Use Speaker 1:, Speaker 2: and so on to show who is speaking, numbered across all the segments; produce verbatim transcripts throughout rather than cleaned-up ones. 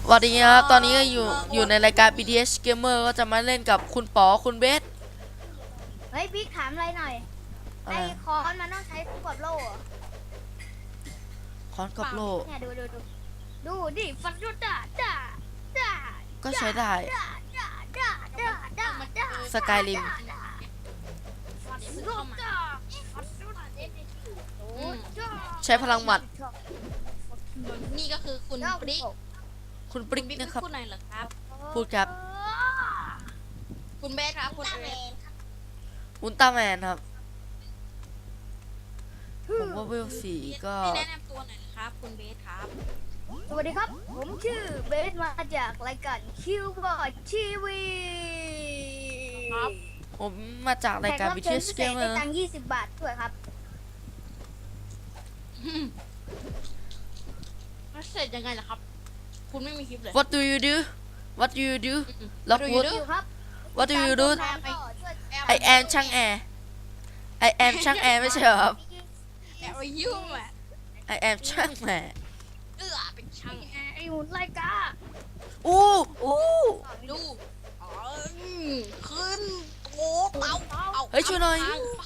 Speaker 1: สวัสดีครับตอนนี้อยู่อยู่ในรายการ บี ที เอส Gamer ก็จะมาเล่นกับคุณป๋อคุณเบส
Speaker 2: เฮ้ยบิ๊กถามอะไรหน่อยไอ้คอนมันต้องใช้คู่กับโล่เหรอ
Speaker 1: คอนกับโล่
Speaker 2: เนี่ยดูดูดูดูดิฟันรุดด่าด่าด่า
Speaker 1: ก็ใช้ได้
Speaker 2: ด่าด่าด่าด่าด่าด่า
Speaker 1: สกายริม
Speaker 2: ฟันรุดด่าฟันรุดด่า
Speaker 1: ใช้พลังหมัด
Speaker 3: นี่ก็คือคุณปริก
Speaker 1: คุณปริกนะครับ
Speaker 3: พูดหน่อยเหรอครับ
Speaker 1: พูดครับ
Speaker 3: คุณเบสครับคุณเบส
Speaker 1: อุลตร้าแมนครับผมว่าเวลสี่ก็
Speaker 3: แนะนำตัวหน่อยนะครับคุณเบสครับ
Speaker 2: สวัสดีครับผมชื่อเบสมาจากรายการคิวบอร์ดทีวี
Speaker 3: ครับ
Speaker 1: ผมมาจากรายการ บี ที เอส Gamer
Speaker 2: ได้ตังค์ยี่สิบบาทด้วยครับ
Speaker 3: เสร็จยังไงล่ะครับคุณไม่มีคลิปเลย
Speaker 1: What do you do What do you do ล็อกวูด What do you do I am ช่างแอร์ I am ช่างแอร์ไม่ใช่เหรอครับ
Speaker 3: แอบไปยุ่งอ่ะ
Speaker 1: I am ช่างแอร์
Speaker 3: เออเป็นช่างแอร์
Speaker 2: ไอ้หุ่นรายการ
Speaker 1: อู้อู้
Speaker 3: ดูขึ้นโอ้เตาเอา
Speaker 1: เฮ้ยช่วยหน่อย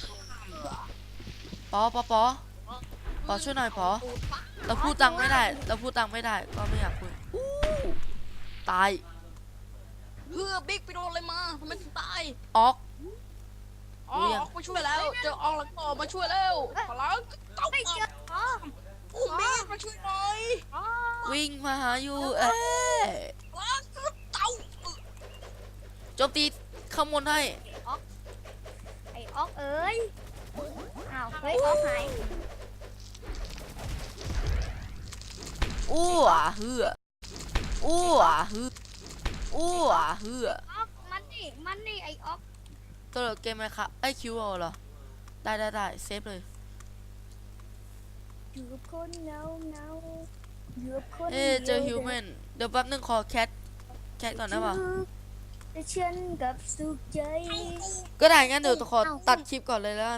Speaker 1: ปอปอปอปอช่วยหน่อยปอเราพูดตังไม่ได้เราพูดตังไม่ได้ก็ไม่อยากคุยตาย
Speaker 3: เพื่อบิ๊กไปโดนอะไรมาทำไมถึงตาย
Speaker 1: ออก
Speaker 3: อ๋อออกมาช่วยแล้วเจอออกแล้วก็มาช่วยแล้วพลังเต้าอุ้มบิ๊กมาช่วยหน่อย
Speaker 1: วิ่งมาหาอยู่เอ๊ะ
Speaker 3: พลังเต้า
Speaker 1: โจมตีข้างบนให้
Speaker 2: ไอ้ออกเอ้ยอ้าวเฮ้ยออกหาย
Speaker 1: อู้อ่ะเฮืออู้อ่ะเฮืออู้อ่ะเฮือ
Speaker 2: ออกมันนี่มันนี่ไอ้ออก
Speaker 1: ตัวเหลือเกมไหมครับไอคิวเอาเหรอได้ได้ได้เซฟเลย
Speaker 2: อยู่กับคนเงาเงาอยู่กับคน
Speaker 1: เอ๊เจอฮิวแมนเดี๋ยวแป๊บนึงขอแคทแคทก่อนนะวะ
Speaker 2: แต่ฉันกับสุขใจ
Speaker 1: ก็ได้งั้นเดี๋ยวขอตัดคลิปก่อนเลยแล้ว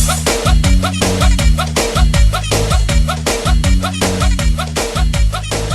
Speaker 1: กัน